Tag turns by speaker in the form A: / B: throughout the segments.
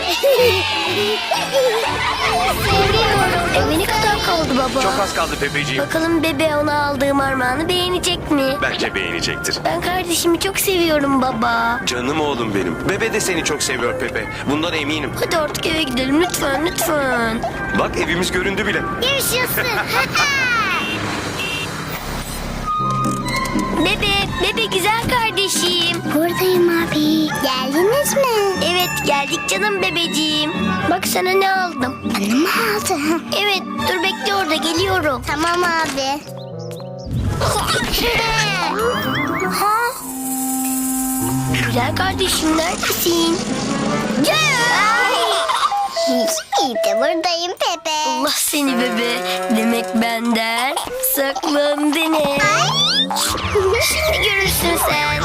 A: Seviyorum.
B: Ne kadar kaldı baba?
C: Çok az kaldı Pepeciğim.
B: Bakalım bebe ona aldığım armağanı beğenecek mi?
C: Bence beğenecektir.
B: Ben kardeşimi çok seviyorum baba.
C: Canım oğlum benim. Bebe de seni çok seviyor Pepe. Bundan eminim.
B: Hadi artık eve gidelim lütfen lütfen.
C: Bak evimiz göründü bile.
A: Yaşasın.
B: Bebe güzel kardeşim.
A: Buradayım abi. Geldiniz mi?
B: Evet geldik canım bebeciğim. Bak sana ne aldım.
A: Bana mı aldın?
B: Evet dur bekle orada geliyorum.
A: Tamam abi. Ha?
B: Güzel kardeşim neredesin?
A: İyi de buradayım Pepe.
B: Allah seni bebe. Demek benden saklandın he. Şimdi görürsün sen.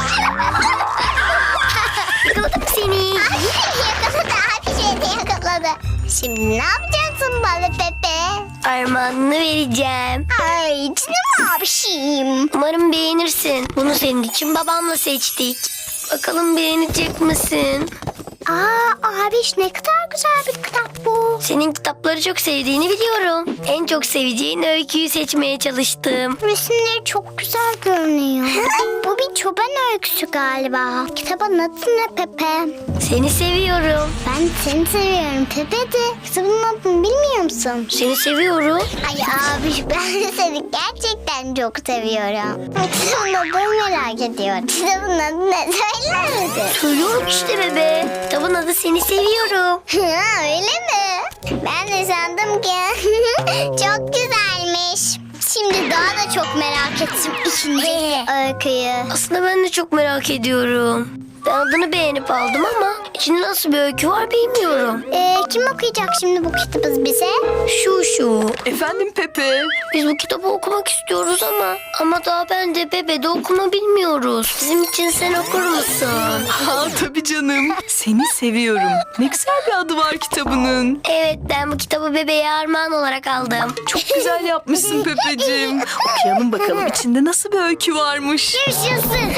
B: Yakaladım seni.
A: Yakaladı abi şeyde yakaladı. Şimdi ne yapacaksın bana Pepe?
B: Armağanını vereceğim.
A: Ay canım abişim.
B: Umarım beğenirsin. Bunu senin için babamla seçtik. Bakalım beğenecek misin?
A: Aa abiş ne kadar güzel bir kitap bu.
B: Senin kitapları çok sevdiğini biliyorum. En çok seveceğin öyküyü seçmeye çalıştım.
A: Resimleri çok güzel görünüyor. Bu bir çoban öyküsü galiba. Kitabın adı ne Pepe?
B: Seni seviyorum.
A: Ben seni seviyorum Pepe de. Kitabın adını bilmiyor musun?
B: Seni seviyorum.
A: Ay abi ben de seni gerçekten çok seviyorum. Kitabın adını merak ediyorum. Kitabın adı ne söyler misin?
B: Söylüyorum işte bebe. Kitabın adı Seni Seviyorum.
A: Ha, öyle mi? Ben de sandım ki çok güzelmiş. Şimdi daha da çok merak ettim ikinci öyküyü.
B: Aslında ben de çok merak ediyorum. Ben adını beğenip aldım ama içinde nasıl bir öykü var bilmiyorum.
A: Kim okuyacak şimdi bu kitabı bize?
B: Şu.
D: Efendim Pepe.
B: Biz bu kitabı okumak istiyoruz ama daha ben de bebe de okuma bilmiyoruz. Bizim için sen okur musun?
D: Ha tabii canım. Seni seviyorum. Ne güzel bir adı var kitabının.
B: Evet ben bu kitabı bebeğe armağan olarak aldım.
D: Çok güzel yapmışsın Pepeciğim. Okuyalım bakalım içinde nasıl bir öykü varmış.
A: Yaşasın.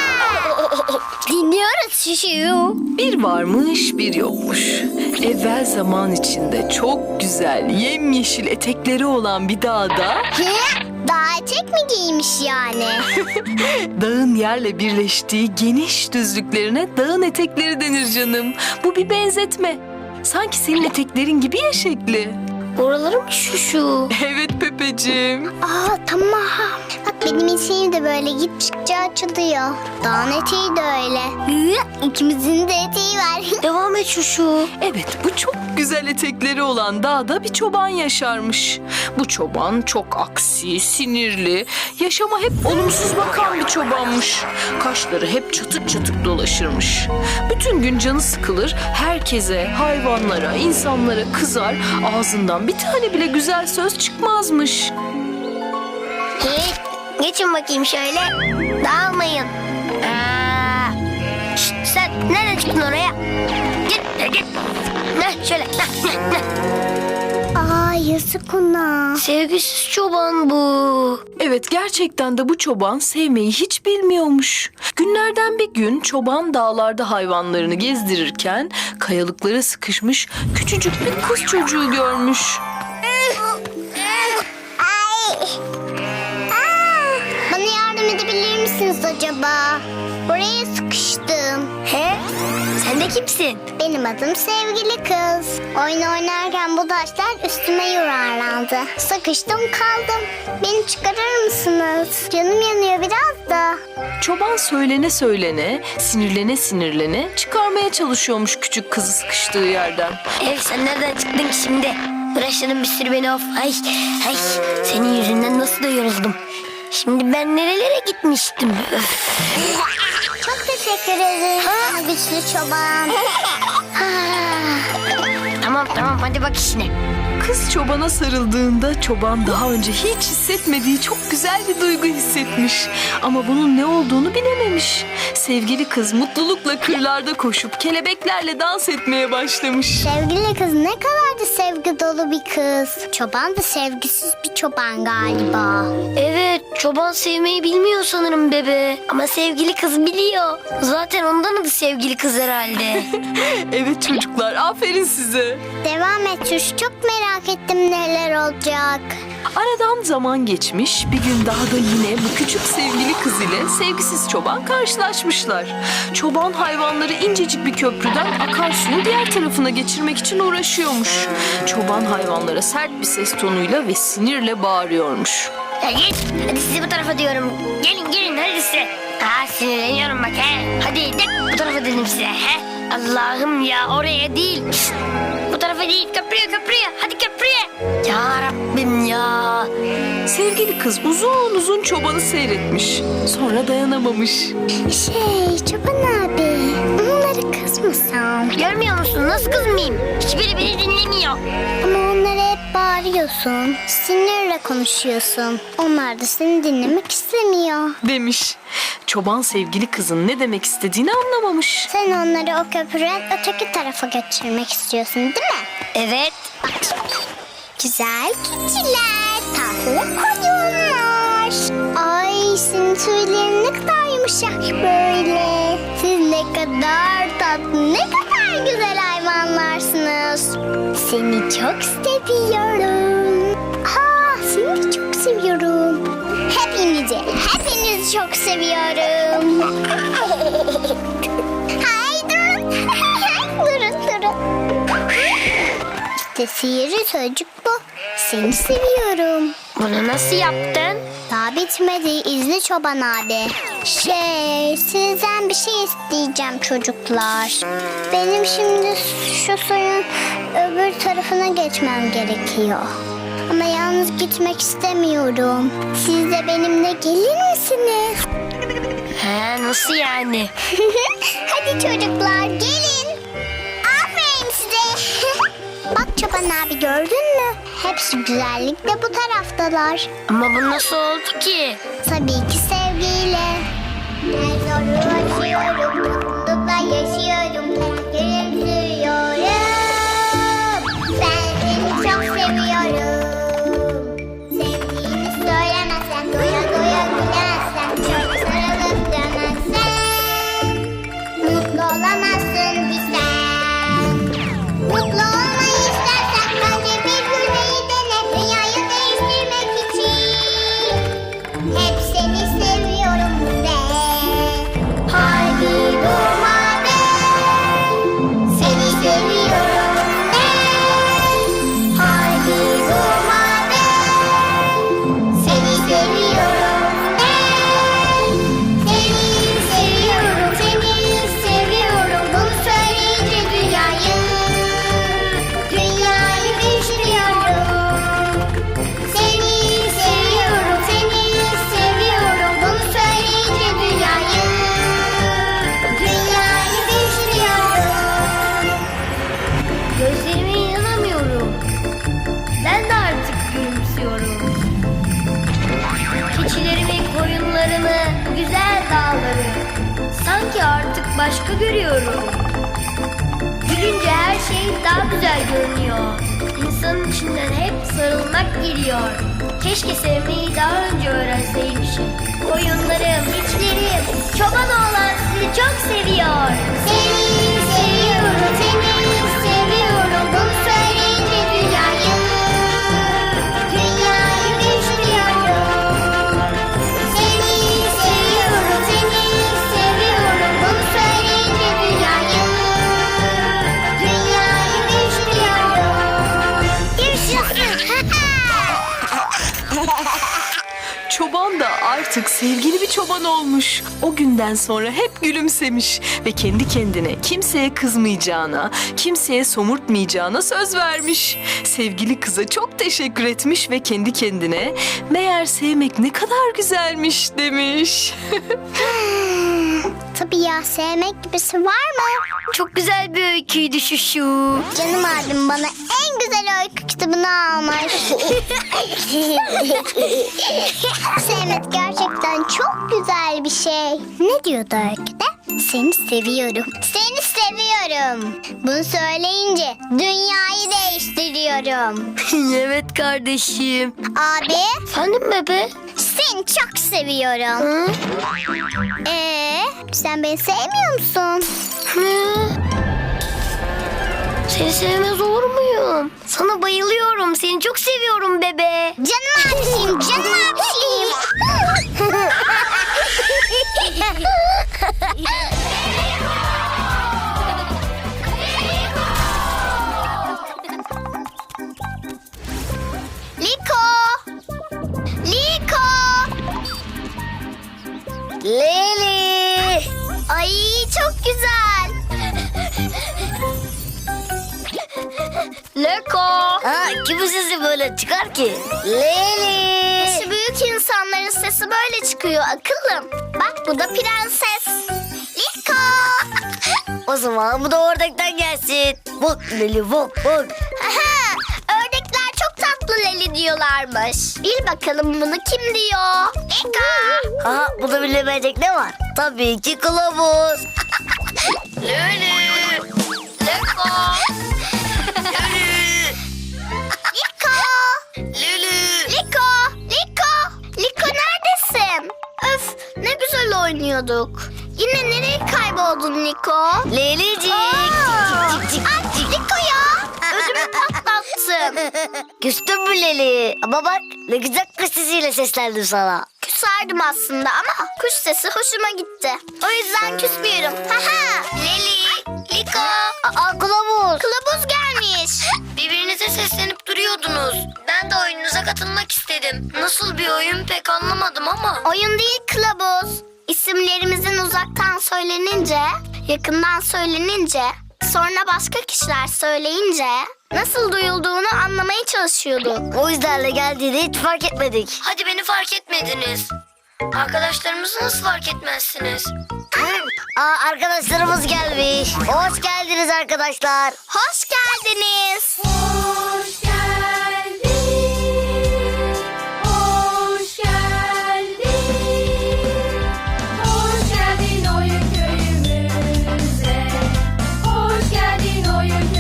A: Dinliyoruz şişiyu.
D: Bir varmış bir yokmuş. Evvel zaman içinde çok güzel yemyeşil etekleri olan bir dağda
A: Daha etek mi giymiş yani?
D: dağın yerle birleştiği geniş düzlüklerine dağın etekleri denir canım. Bu bir benzetme. Sanki senin eteklerin gibi ya şekli.
B: Oraları mı şu?
D: Evet Pepeciğim.
A: Aa tamam. Bak benim eteğim de böyle gittikçe açılıyor. Dağın eteği de öyle. İkimizin de eteği var.
B: Devam et şu.
D: Evet, bu çok güzel etekleri olan dağda bir çoban yaşarmış. Bu çoban çok aksi, sinirli, yaşama hep olumsuz bakan bir çobanmış. Kaşları hep çatık çatık dolaşırmış. Bütün gün canı sıkılır, herkese, hayvanlara, insanlara kızar, ağzından bir tane bile güzel söz çıkmazmış.
B: Geçin bakayım şöyle. Dağılmayın. Şşt, sen nereden çıktın oraya? Git. Şöyle.
A: Aa yazık ona.
B: Sevgisiz çoban bu.
D: Evet, gerçekten de bu çoban sevmeyi hiç bilmiyormuş. Günlerden bir gün çoban dağlarda hayvanlarını gezdirirken kayalıklara sıkışmış küçücük bir kız çocuğu görmüş.
A: Bana yardım edebilir misiniz acaba? Buraya sıkıştım.
B: He? Sen de kimsin?
A: Benim adım sevgili kız. Oyun oynarken bu taşlar üstüme yuvarlandı. Sıkıştım kaldım. Beni çıkarır mısınız? Canım yanıyor biraz da.
D: Çoban söylene söylene, sinirlene sinirlene çıkarmaya çalışıyormuş küçük kızı sıkıştığı yerden.
B: Sen nereden çıktın ki şimdi? Uğraştırdın bir sürü beni of. Ay. Senin yüzünden nasıl da yoruldum. Şimdi ben nerelere gitmiştim? Öf.
A: Çok teşekkür ederim sana güçlü çoban.
B: Tamam hadi bak işine.
D: Kız çobana sarıldığında çoban daha önce hiç hissetmediği çok çok güzel bir duygu hissetmiş. Ama bunun ne olduğunu bilememiş. Sevgili kız mutlulukla kırlarda koşup kelebeklerle dans etmeye başlamış.
A: Sevgili kız ne kadar da sevgi dolu bir kız. Çoban da sevgisiz bir çoban galiba.
B: Evet, çoban sevmeyi bilmiyor sanırım bebe. Ama sevgili kız biliyor. Zaten ondan adı sevgili kız herhalde.
D: Evet çocuklar, aferin size.
A: Devam et Çuş, çok merak ettim neler olacak.
D: Aradan zaman geçmiş, bir gün dağda yine bu küçük sevgili kız ile sevgisiz çoban karşılaşmışlar. Çoban hayvanları incecik bir köprüden akarsuyun diğer tarafına geçirmek için uğraşıyormuş. Çoban hayvanlara sert bir ses tonuyla ve sinirle bağırıyormuş.
B: Ya git, hadi sizi bu tarafa diyorum. Gelin hadi size. Sinirleniyorum bak he. Hadi de bu tarafa dedim size he. Allah'ım ya, oraya değil. Şişt, bu tarafa değil, köprüye. Hadi köprüye. Ya Rabbim ya.
D: Sevgili kız uzun uzun çobanı seyretmiş. Sonra dayanamamış.
A: Çoban abi, onları kızmasan.
B: Görmüyor musun, nasıl kızmayayım? Hiçbiri beni dinlemiyor.
A: Ama onlara hep bağırıyorsun. Sinirle konuşuyorsun. Onlar da seni dinlemek istemiyor.
D: Demiş. Çoban sevgili kızın ne demek istediğini anlamamış.
A: Sen onları o köprüden öteki tarafa geçirmek istiyorsun değil mi?
B: Evet.
A: Güzel keçiler, tatlı koyunlar. Ay senin tüylerin ne kadar yumuşak böyle. Siz ne kadar tatlı, ne kadar güzel hayvanlarsınız. Seni çok seviyorum. Seni de çok seviyorum. Hepinizi çok seviyorum. Hay durun. durun. İşte sihirli sözcük bu. Seni seviyorum.
B: Bunu nasıl yaptın?
A: Daha bitmedi. İzle çoban abi. Sizden bir şey isteyeceğim çocuklar. Benim şimdi şu suyun öbür tarafına geçmem gerekiyor. Ama yalnız gitmek istemiyorum. Siz de benimle gelir misiniz?
B: He, nasıl yani?
A: Hadi çocuklar gelin. Aferin size. Bak çoban abi, gördün mü? Hepsi güzellikle bu taraftalar.
B: Ama bu nasıl oldu ki?
A: Tabii ki sevgiyle. Ben zoru aşıyorum, mutlulukla yaşıyorum, gülümsüyorum. Ben seni çok seviyorum. Sevdiğini söylemezsen, doya doya gülersen, çok sarılıp dönersen, mutlu olamazsın bir sen. Mutlu olmayı istersen, önce bir gülmeyi dene, dünyayı değiştirmek için. Hep seni seviyorum de. Haydi durma de. Seni seviyorum de. Haydi durma de. Seni seviyorum de. Seni seviyorum. Bunu söyleyince dünyayı değiştiriyorum. Seni seviyorum. Bunu söyleyince dünyayı değiştiriyorum.
B: Gözlerime inanamıyorum. Ben de artık gülümsüyorum. Keçilerimi, koyunlarımı, bu güzel dağları sanki artık başka görüyorum. Gülünce her şey daha güzel görünüyor. İnsanın içinden hep sarılmak geliyor. Keşke sevmeyi daha önce öğrenseymişim. Koyunlarım, keçilerim, çoban oğlan sizi çok seviyor.
A: Seni seviyorum. Bunu söyleyince dünyayı değiştiriyorum. Seni seviyorum. Bunu söyleyince dünyayı değiştiriyorum.
D: Çoban da artık sevgili bir çoban olmuş. O günden sonra hep gülümsemiş ve kendi kendine kimseye kızmayacağına, kimseye somurtmayacağına söz vermiş. Sevgili kıza çok teşekkür etmiş ve kendi kendine meğer sevmek ne kadar güzelmiş demiş.
A: Tabii ya, sevmek gibisi var mı?
B: Çok güzel bir öyküydü şu.
A: Canım abim bana en güzel öykü kitabını almış. Sevmek gerçekten çok güzel bir şey. Ne diyordu öyküde? Seni seviyorum. Seni seviyorum. Bunu söyleyince dünyayı değiştiriyorum.
B: Evet kardeşim.
A: Abi,
B: Efendim bebe?
A: seni çok seviyorum.
B: Hı?
A: Sen beni sevmiyor musun?
B: Hı? Seni sevmez olur muyum? Sana bayılıyorum. Seni çok seviyorum bebe.
A: Canım abişim, canım abişim. Liko! Liko!
B: Leli.
A: Ay çok güzel.
B: Leko. Ha, kimin sesi böyle çıkar ki? Leli.
A: Şu büyük insanların sesi böyle çıkıyor akıllım. Bak bu da prenses. Liko!
B: O zaman bu da ördekten gelsin. Bak Leli bak bak.
A: Aha, ördekler çok tatlı Leli diyorlarmış. Bil bakalım bunu kim diyor? Liko!
B: Ha, bu da bilemeyecek ne var? Tabii ki kılavuz. Leli. Leko.
A: Liko!
B: Leli.
A: Liko! Liko! Liko neredesin? Öf, ne güzel oynuyorduk. Yine nereye kayboldun Liko?
B: Lelicik. Cik cik
A: Ay,
B: cik cik.
A: Liko ya! Ödümü patlattın.
B: Küstün mü Leli? Ama bak ne güzel kız sesiyle seslendim sana.
A: Küserdim aslında ama kuş sesi hoşuma gitti. O yüzden küsmüyorum. Haha! Leli, Liko,
B: Aa, kılavuz.
A: kılavuz gelmiş.
B: Birbirinize seslenip duruyordunuz. Ben de oyununuza katılmak istedim. Nasıl bir oyun pek anlamadım ama.
A: Oyun değil kılavuz. İsimlerimizin uzaktan söylenince, yakından söylenince, sonra başka kişiler söyleyince nasıl duyulduğunu anlamaya çalışıyorduk.
B: O yüzden de geldiğini hiç fark etmedik. Hadi beni fark etmediniz. Arkadaşlarımızı nasıl fark etmezsiniz? Aa, arkadaşlarımız gelmiş. Hoş geldiniz arkadaşlar.
A: Hoş geldiniz.
E: Hoş geldin, hoş geldin, hoş geldin oyun köyümüze, hoş geldin oyun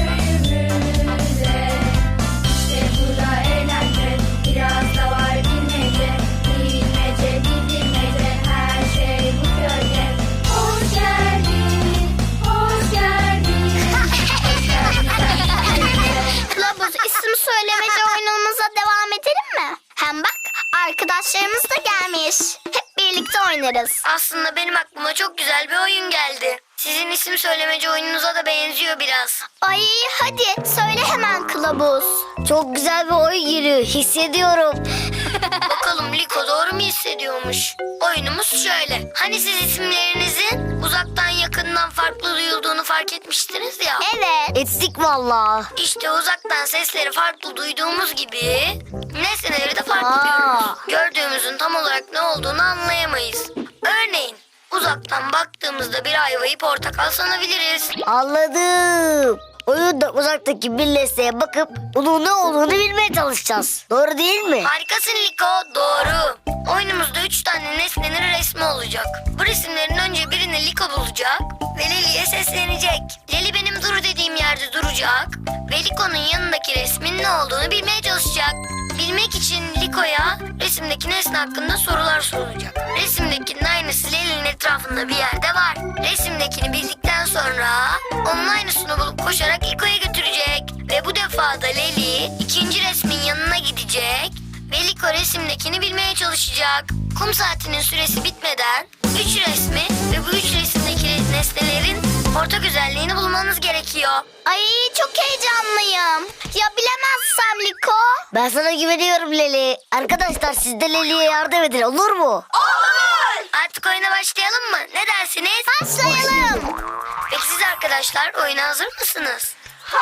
E: köyümüze. İşte burada eğlence, biraz da var bilmece, bilmece, bilmece, her şey bu köyde. Hoş geldin, hoş geldin, hoş geldin.
A: Kılavuz, isim söylemece oyunumuza devam edelim mi? Hem bak arkadaşlarımız da gelmiş. Hep birlikte oynarız.
B: Aslında benim aklıma çok güzel bir oyun geldi. Sizin isim söylemeci oyununuza da benziyor biraz.
A: Ay hadi söyle hemen kılavuz.
B: Çok güzel bir oyun geliyor. Hissediyorum. Bakalım Liko doğru mu hissediyormuş? Oyunumuz şöyle. Hani siz isimlerinizin uzaktan yakından farklı duyulduğunu fark etmiştiniz ya.
A: Evet.
B: Ettik valla. İşte uzaktan sesleri farklı duyduğumuz gibi nesneleri de farklı duyuyoruz. Gördüğümüzün tam olarak ne olduğunu anlayamayız. Örneğin uzaktan baktığımızda bir ayvayı portakal sanabiliriz. Anladım. Oyunda uzaktaki bir nesneye bakıp onun ne olduğunu bilmeye çalışacağız. Doğru değil mi? Harikasın Liko, doğru. Oyunumuzda 3 tane nesnenin resmi olacak. Bu resimlerin önce birini Liko bulacak ve Leli'ye seslenecek. Leli benim dur dediğim yerde duracak ve Liko'nun yanındaki resmin ne olduğunu bilmeye çalışacak. Bilmek için Liko'ya resimdeki nesne hakkında sorular sorulacak. Resimdekinin aynısı Leli'nin etrafında bir yerde var. Resimdekini bildikten sonra onun aynısını bulup koşarak Liko'ya götürecek. Ve bu defa da Leli ikinci resmin yanına gidecek ve Liko resimdekini bilmeye çalışacak. Kum saatinin süresi bitmeden 3 resmi ve bu 3 resimdeki nesnelerin ortak özelliğini bulmanız gerekiyor.
A: Ay çok heyecanlıyım. Ya bilemezsem Liko?
B: Ben sana güveniyorum Leli. Arkadaşlar siz de Leli'ye yardım edin, olur mu?
A: Olur.
B: Artık oyuna başlayalım mı? Ne dersiniz?
A: Başlayalım.
B: Peki siz arkadaşlar oyuna hazır mısınız?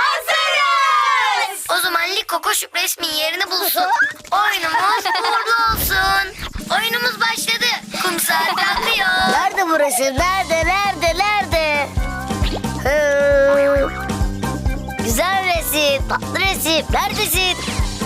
A: Hazırız.
B: O zaman Liko koşup resmin yerini bulsun. Oyunumuz uğurlu olsun. Oyunumuz başladı. kum saat akıyor.
F: Nerede bu resim? Nerede? Hı. Güzel resim, tatlı resim. Neredesin?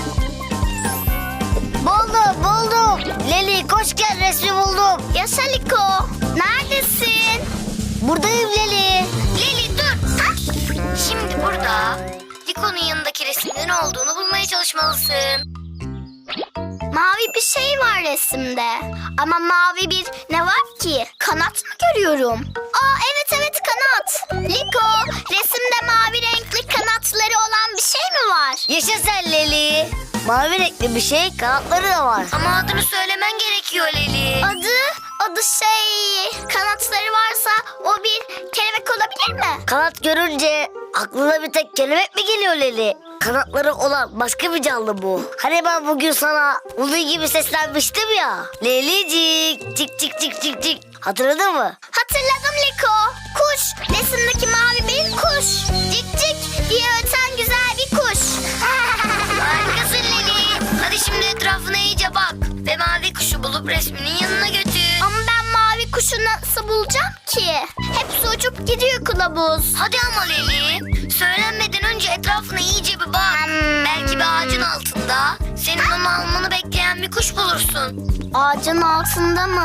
F: Buldum. Leli koş gel, resmi buldum.
A: Yaşa Liko. Neredesin?
F: Buradayım Leli.
B: Leli dur. Şimdi burada Liko'nun yanındaki resimde ne olduğunu bulmaya çalışmalısın.
A: Mavi bir şey var resimde. Ama mavi bir ne var ki? Kanat mı görüyorum? Aa evet kanat. Liko, resimde mavi renkli kanatları olan bir şey mi var?
F: Yaşa sen Leli. Mavi renkli bir şey, kanatları da var.
B: Ama adını söylemen gerekiyor Leli.
A: Adı şey, kanatları varsa o bir kelebek olabilir mi?
F: Kanat görünce aklına bir tek kelebek mi geliyor Leli? Kanatları olan başka bir canlı bu. Hani ben bugün sana bunun gibi seslenmiştim ya. Lelicik, cik. Hatırladın mı?
A: Hatırladım Liko. Kuş, resimdeki mavi bir kuş. Cik cik diye öten güzel bir kuş.
B: Harikasın Leli. Hadi şimdi etrafına iyice bak. Ve mavi kuşu bulup resminin yanına götür.
A: Ama ben mavi kuşu nasıl bulacağım ki? Hepsi uçup gidiyor kılavuz.
B: Hadi ama Leli. Söylenmeden önce etrafına iyice bir bak. Belki bir ağacın altında senin onu almanı bekleyen bir kuş bulursun.
A: Ağacın altında mı?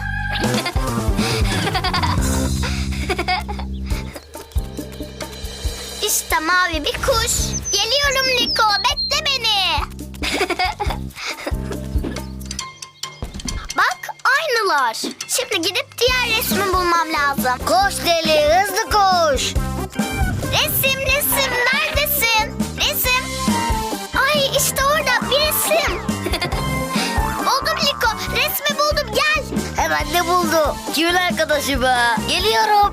A: İşte mavi bir kuş. Geliyorum Liko, bekle beni. Bak aynılar. Şimdi gidip diğer resmi bulmam lazım.
F: Koş Leli, hızlı koş.
A: Resim neredesin? Resim. Ay işte orada bir resim. Buldum Liko, resmi buldum, gel.
F: Hemen de buldu. Kimin arkadaşı be? Geliyorum.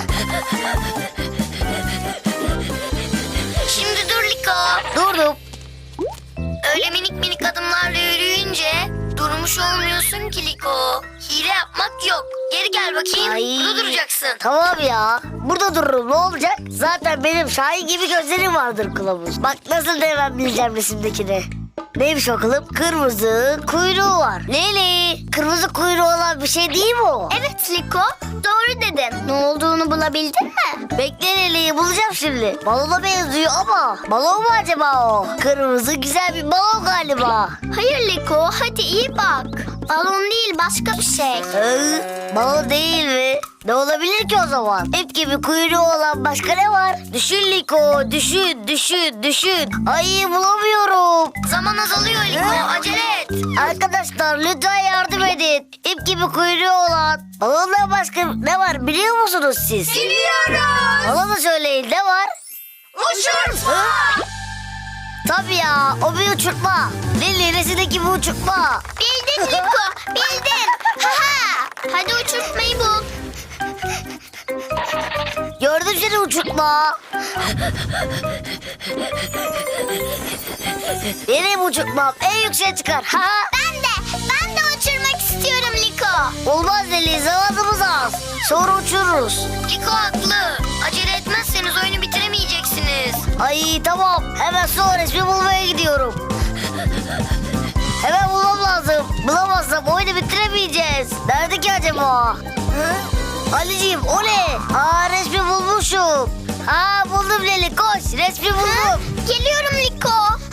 B: Şimdi dur Liko.
F: Durdum.
B: Öyle minik adımlarla yürüyünce durmuş olmuyorsun ki Liko. Hile yapmak yok. Geri gel bakayım.
F: Ay.
B: Burada duracaksın.
F: Tamam ya. Burada dururum, ne olacak? Zaten benim Şahin gibi gözlerim vardır kılavuz. Bak nasıl da hemen bileceğim resimdekini. Neymiş o kılıp? Kırmızı kuyruğu var. Leli, kırmızı kuyruğu olan bir şey değil mi o?
A: Evet Liko, doğru dedin. Ne olduğunu bulabildin mi?
F: Bekle Leli'yi bulacağım şimdi. Balona benziyor ama balon mu acaba o? Kırmızı güzel bir balon galiba.
A: Hayır Liko, hadi iyi bak. Balon değil, başka bir şey.
F: Balon değil mi? Ne olabilir ki o zaman? İp gibi kuyruğu olan başka ne var? Düşün Liko, düşün. Ay bulamıyorum.
B: Zaman azalıyor Liko. Acele et.
F: Arkadaşlar lütfen yardım edin. İp gibi kuyruğu olan balondan başka ne var biliyor musunuz siz?
B: Biliyoruz.
F: Bana da söyleyin, ne var?
B: Uçurtma.
F: Tabii ya, o bir uçurtma. Lili resimdeki bir uçurtma.
A: Bildin Liko, bildin. Ha. Hadi uçurtmayı bul.
F: Gördüm seni uçurtma. Benim uçurtmam en yükseğe çıkar. Ha?
A: Ben de uçurmak istiyorum Liko.
F: Olmaz Lili, zamanımız az. Sonra uçururuz.
B: Liko haklı. Acele etmezseniz oyunu bitiremeyeceksiniz.
F: Ay tamam, hemen son resmi bulmaya gidiyorum. Hemen bulmam lazım. Bulamazsam oyunu bitiremeyeceğiz. Nerede ki acaba? Hı? Ali'ciğim o ne? Aa, resmi bulmuşum. Aa, buldum Leli, koş, resmi buldum.
A: Geliyorum Liko.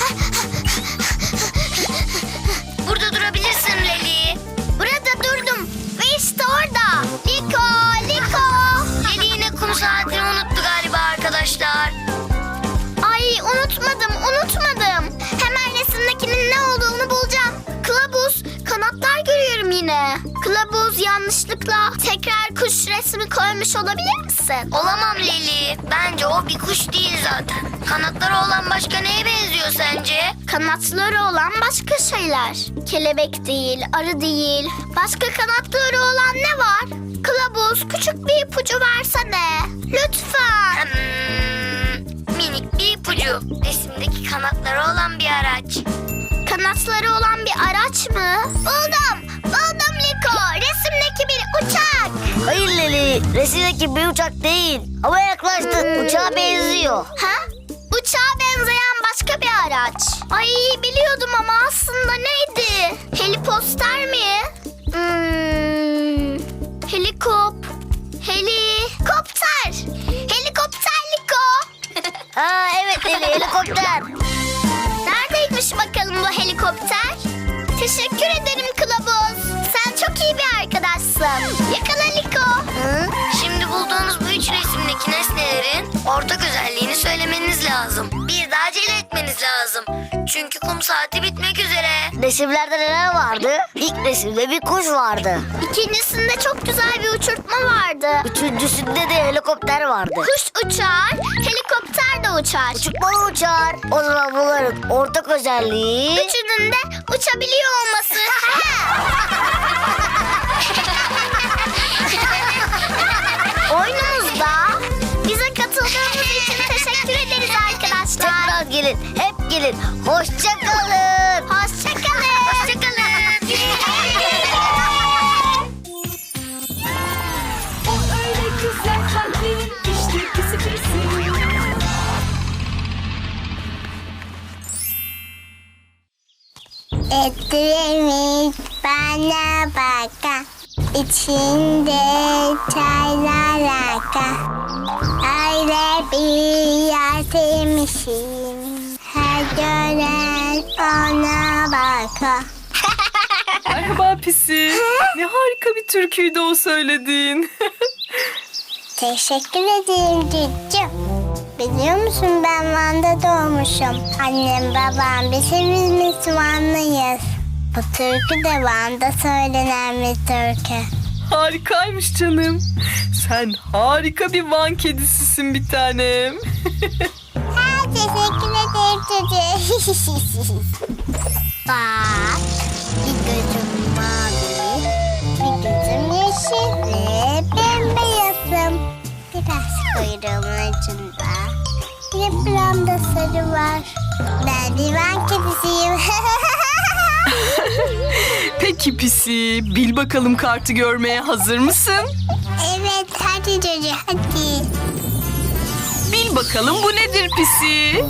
B: Burada durabilirsin Leli.
A: Burada durdum. Ve işte orada. Liko.
B: Leli yine kum saatini unuttu galiba arkadaşlar.
A: Ay unutmadım. Hemen resimdekinin ne olduğunu bulacağım. Kılavuz, kanatlar görüyorum yine. Kılavuz, yanlışlıkla tekrar kuş resmi koymuş olabilir misin?
B: Olamam Leli. Bence o bir kuş değil zaten. Kanatları olan başka neye benziyor sence?
A: Kanatları olan başka şeyler. Kelebek değil, arı değil. Başka kanatları olan ne var? Kılavuz, küçük bir ipucu versene. Lütfen.
B: Minik bir ipucu. Resimdeki kanatları olan bir araç.
A: Kanatları olan bir araç mı? Buldum Liko. Resimdeki bir uçak.
F: Hayır Leli, resimdeki bir uçak değil. Ama yaklaştı, uçağa benziyor.
A: Ha? Uçağa benzeyen başka bir araç. Ay biliyordum ama aslında neydi? Heliposter mi? Helikop. Helikopter. Helikopter Liko.
F: Ha evet Leli, helikopter.
A: Neredeymiş bakalım bu helikopter? Teşekkür ederim Kılavuz. Sen çok iyi bir arkadaşsın. Yakala Liko.
F: Şimdi bulduğunuz bu üç resimdeki nesnelerin ortak özelliğini söylemeniz lazım. Bir de acele etmeniz lazım. Çünkü kum saati bitmek üzere. Resimlerde neler vardı? İlk resimde bir kuş vardı.
A: İkincisinde çok güzel bir uçurtma vardı.
F: Üçüncüsünde de helikopter vardı.
A: Kuş uçar, helikopter de uçar.
F: Uçurtma uçar. O zaman bunların ortak özelliği...
A: Üçünün de uçabiliyor olması. Oyunumuzda bize katıldığınız için teşekkür ederiz arkadaşlar.
F: Tekrar gelin, hep gelin. Hoşça kalın.
A: Hoşça kalın. Hoşça kalın.
E: O öyle güzel kalplerin işte pisi pisi.
A: Ettirmiş bana baka, içinde çaylar aka. Öyle bir yer sevmişim, her gören ona baka.
D: Merhaba Pisi. Ne harika bir türküydü o söylediğin.
A: Teşekkür ederim cüccüm. Biliyor musun ben Van'da doğmuşum. Annem babam biz hepimiz Vanlıyız. Bu türkü de Van'da söylenen bir türkü.
D: Harikaymış canım. Sen harika bir Van kedisisin bir tanem.
A: Teşekkür ederim çocuğum. Bak, bir gözüm mavi, bir gözüm yeşil ve bembeyazım. Biraz kuyruğumun ucunda, yaprağımda sarı var. Ben bir Van kedisiyim.
D: Peki Pisi, bil bakalım kartı görmeye hazır mısın?
A: Evet, hadi çocuğum, hadi.
D: Bil bakalım bu nedir Pisi?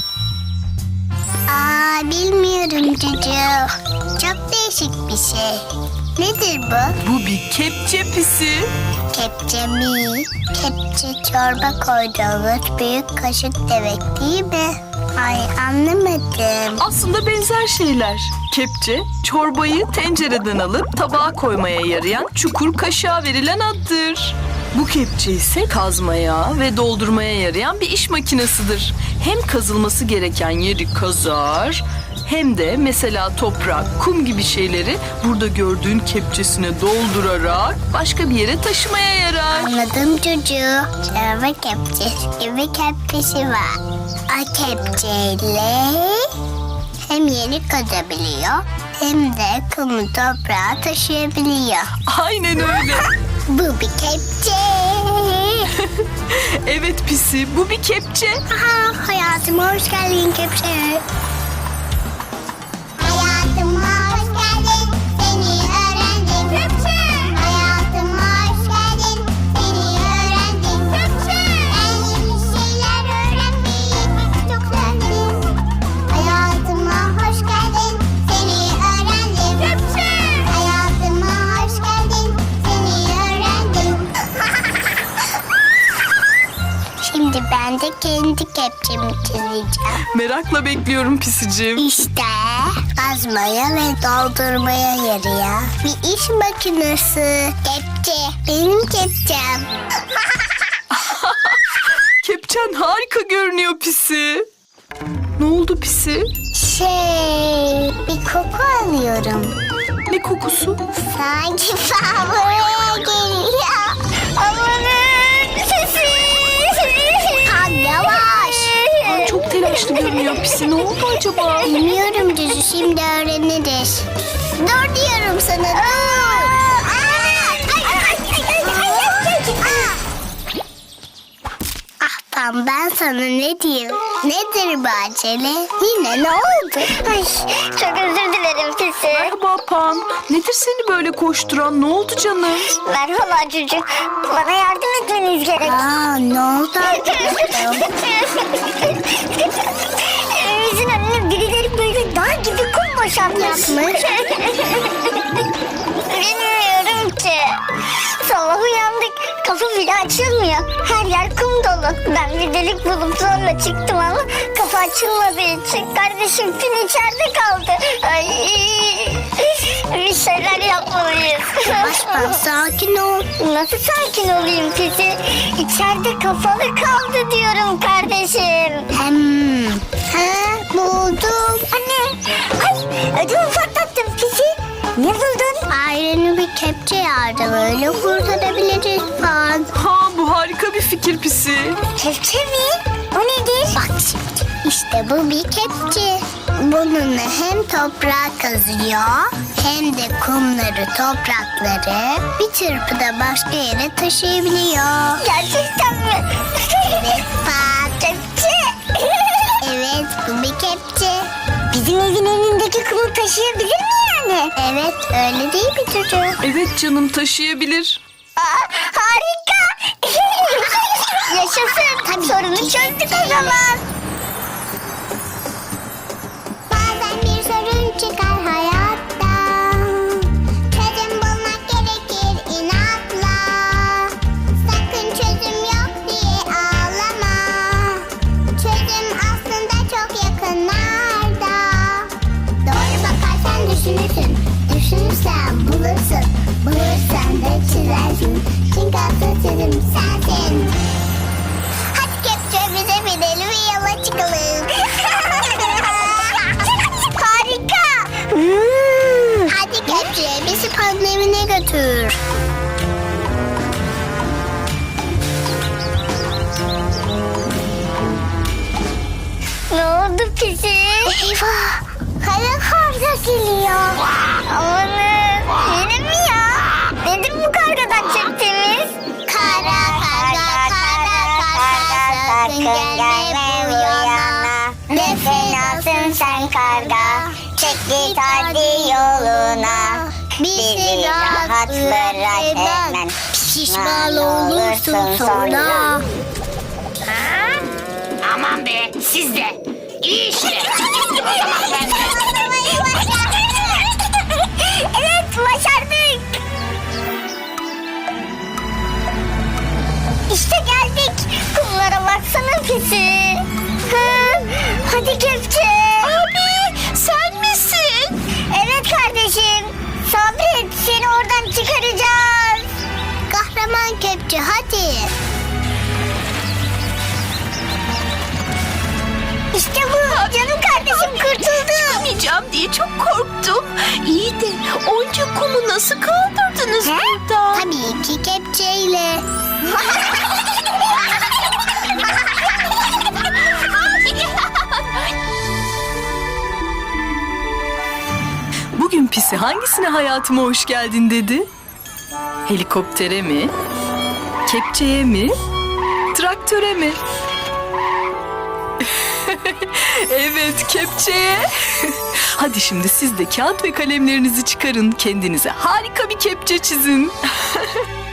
A: Bilmiyorum çocuğum. Çok değişik bir şey. Nedir bu?
D: Bu bir kepçe Pisi.
A: Kepçe mi? Kepçe çorba koyduğumuz büyük kaşık demek değil mi? Ay anlamadım.
D: Aslında benzer şeyler. Kepçe, çorbayı tencereden alıp tabağa koymaya yarayan çukur kaşığa verilen addır. Bu kepçe ise kazmaya ve doldurmaya yarayan bir iş makinesidir. Hem kazılması gereken yeri kazar, hem de mesela toprak, kum gibi şeyleri burada gördüğün kepçesine doldurarak başka bir yere taşımaya yarar.
A: Anladım çocuğu. Çorba kepçesi gibi kepçesi var. O kepçeyle hem yeri kazabiliyor hem de kumu toprağa taşıyabiliyor.
D: Aynen öyle.
A: Bu bir kepçe.
D: Evet Pisi, bu bir kepçe.
A: Aha, hayatıma hoş geldin kepçe. Hayatıma hoş geldin, seni öğrendim. Kepçe. Hayatıma hoş geldin, seni öğrendim. Kepçe. Ben yeni şeyler öğrenmeyi çok sevdim. Hayatıma hoş geldin, seni öğrendim. Kepçe. Hayatıma hoş geldin, seni öğrendim. Şimdi ben de kendi kepçemi çizeceğim.
D: Merakla bekliyorum Pisicim.
A: İşte kazmaya ve doldurmaya yarıyor bir iş makinesi. Kepçe, benim kepçem.
D: Kepçen harika görünüyor Pisi. Ne oldu Pisi?
A: Bir koku alıyorum.
D: Ne kokusu?
A: Sanki ben buraya geliyor. Amanın sesi. Tam yavaş.
D: Çok telaşlı görünüyor Pisi. Ne oldu acaba?
A: Bilmiyorum Cüzü, şimdi öğreniriz. Dur diyorum sana, dur. Pan, ben sana ne diyeyim? Nedir bu acele? Yine ne oldu? Ay, çok özür dilerim Pisi.
D: Merhaba Pan. Nedir seni böyle koşturan? Ne oldu canım?
A: Merhaba çocuk. Bana yardım etmeniz gerek. Ne oldu arkadaşım? Evimizin önüne birileri böyle dağ gibi kum boşaltmış. Bilmiyorum ki. Son Sabah uyandık. Kapı bile açılmıyor. Her yer kum dolu. Ben bir delik bulup zorla çıktım ama kapı açılmadığı için kardeşim Pin içeride kaldı. Ay, bir şeyler yapmalıyız. Başkan sakin ol. Nasıl sakin olayım Pisi? İçeride kapalı kaldı diyorum kardeşim. Buldum. Anne. Ay, ödümü patlattım Pisi. Ne buldun? Ailenin bir kepçe yardım öyle kurtarabiliriz falan.
D: Ha, bu harika bir fikir Pisi.
A: Kepçe mi? O nedir? Bak şimdi. İşte bu bir kepçe. Bununla hem toprağı kazıyor hem de kumları, toprakları bir çırpıda başka yere taşıyabiliyor. Gerçekten mi? Evet bak kepçe. Evet bu bir kepçe. Bizim evin önündeki kumu taşıyabilir mi yani? Evet öyle değil mi çocuğum?
D: Evet canım, taşıyabilir.
A: Harika. Yaşasın. Tabii sorunu çözdük o zaman. Bazen bir sorun çıkar hayatta. Çözüm bulmak gerekir inatla. Sakın çözüm yok diye ağlama. Çözüm aslında çok yakınlarda. Doğru bakarsan düşünürsün. Düşünürsen bulursun. Bulursan da çizersin. Çünkü asıl çözüm sensin. Hadi kepçe bize binelim ve yola çıkalım. Harika. Hadi kepçe bizi Pan'ın evine götür. Ne oldu Pisi? Eyvah. Kara karga geliyor. Amanın. Yine mi ya? Dedim bu kargadan çektiğimiz. Kara karga sakın gelme bu yana. Ne fenasın sen karga. Çek git hadi yoluna. Bizi rahat bırak hemen. Pişman olursun sonra.
G: Aman be, siz de. İyi işte. O zaman ben de.
A: Evet başardık. İşte geldik. Kumlara baksana Pisi. Hadi kepçe. Abi sen misin? Evet kardeşim. Sabret seni oradan çıkaracağız. Kahraman kepçe hadi. İşte bu. Canım kardeşim kurtuldu.
D: Çıkamayacağım diye çok korktum. İyi de onca kumu nasıl kaldırdınız buradan?
A: Tabii ki kepçeyle.
D: Bugün Pisi hangisine hayatıma hoş geldin dedi? Helikoptere mi? Kepçeye mi? Traktöre mi? Evet, kepçeye. Hadi şimdi siz de kağıt ve kalemlerinizi çıkarın. Kendinize harika bir kepçe çizin.